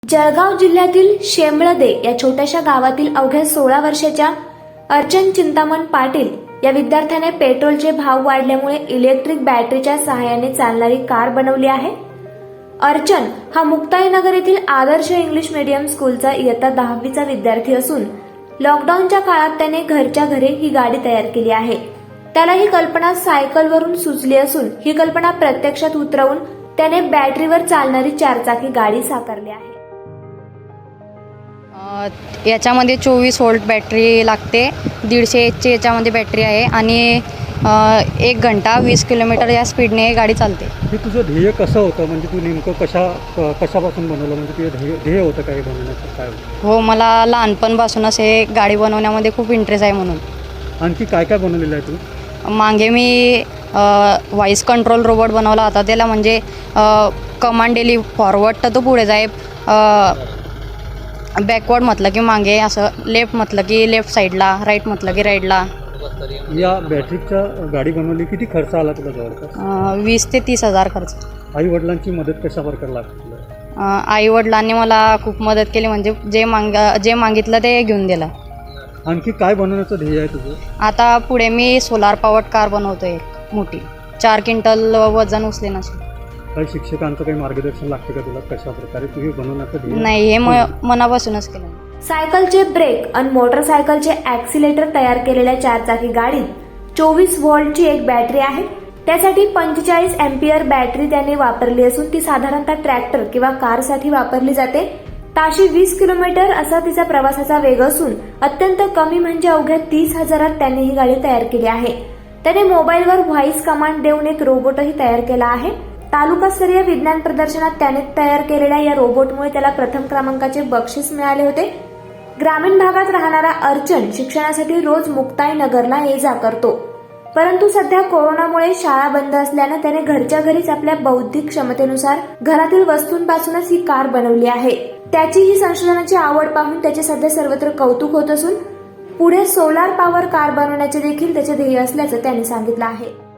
जळगाव जिल्ह्यातील शेमळदे या छोट्याशा गावातील अवघ्या 16 वर्षाच्या अर्चन चिंतामण पाटील या विद्यार्थ्याने पेट्रोलचे भाव वाढल्यामुळे इलेक्ट्रिक बॅटरीच्या सहाय्याने चालणारी कार बनवली आहे। अर्चन हा मुक्ताईनगर येथील आदर्श इंग्लिश मीडियम स्कूलचा इयत्ता 10वीचा विद्यार्थी असून लॉकडाऊनच्या काळात त्याने घरच्या घरी ही गाडी तयार केली आहे। त्याला ही कल्पना सायकलवरून सुचली असून ही कल्पना प्रत्यक्षात उतरवून त्याने बॅटरीवर चालणारी चारचाकी गाडी साकारली आहे। याच्यामध्ये 24 व्होल्ट बॅटरी लागते, 150 एचची याच्यामध्ये बॅटरी आहे आणि 1 घंटा 20 किलोमीटर या स्पीडने गाडी चालते। हे तुझं ध्येय कसं होतं, म्हणजे तू नेमकं कशापासून बनवलं, म्हणजे तुझं ध्येय होतं काय बनवण्याचं काय होतं? हो, मला लहानपणापासूनच हे गाडी बनवण्यामध्ये खूप इंटरेस्ट आहे म्हणून। आणखी काय काय बनवलेलं आहे तू? मागे मी व्हॉइस कंट्रोल रोबोट बनवला होता। त्याला म्हणजे कमांड दिली फॉरवर्ड तर तो पुढे जाए, बॅकवर्ड म्हटलं की मागे, असं लेफ्ट म्हटलं की लेफ्ट साईडला, राईट म्हटलं की राईटला। या बॅटरीच्या गाडी बनवली, किती खर्च आला तुला जवळपास? 20 ते 30 हजार खर्च। आई वडिलांची मदत कशा प्रकारे लागते तुला? आई वडिलांनी मला खूप मदत केली, म्हणजे जे मागितलं ते घेऊन दिलं। आणखी काय बनवण्याचं ध्येय आहे तुझं? आता पुढे मी सोलार पॉवर्ड कार बनवतोय मोठी, 4 क्विंटल वजन उचले नसेल। काही शिक्षकांचं काही मार्गदर्शन लागते का तुला, कशा प्रकारे तू हे बनवण्याचं ध्येय? नाही, हे मनापासूनच केलं। सायकलचे ब्रेक आणि मोटरसायकलचे ॲक्सिलेटर तयार केलेल्या चारचाकी गाडीत 24 व्होल्टची एक बॅटरी आहे। त्यासाठी 45 अँपिअर बॅटरी त्याने वापरली असून ती साधारणतः ट्रॅक्टर किंवा कारसाठी वापरली जाते। ताशी 20 किलोमीटर असा तिचा प्रवासाचा वेग असून अत्यंत कमी म्हणजे अवघ्या 30,000 त्याने ही गाडी तयार केली आहे। त्याने मोबाईलवर व्हॉइस कमांड देऊन एक रोबोटही तयार केला आहे। तालुकास्तरीय विज्ञान प्रदर्शनात त्याने तयार केलेल्या या रोबोटमुळे त्याला प्रथम क्रमांकाचे बक्षीस मिळाले होते। ग्रामीण भागात राहणारा अर्चन शिक्षणासाठी रोज मुक्ताईनगरला ये जा करतो, परंतु सध्या कोरोनामुळे शाळा बंद असल्यानं त्याने घरच्या घरीच आपल्या बौद्धिक क्षमतेनुसार घरातील वस्तूंपासूनच ही कार बनवली आहे। त्याची ही संशोधनाची आवड पाहून त्याचे सध्या सर्वत्र कौतुक होत असून पुढे सोलार पॉवर कार बनवण्याचे देखील त्याचे ध्येय असल्याचं त्याने सांगितलं आहे।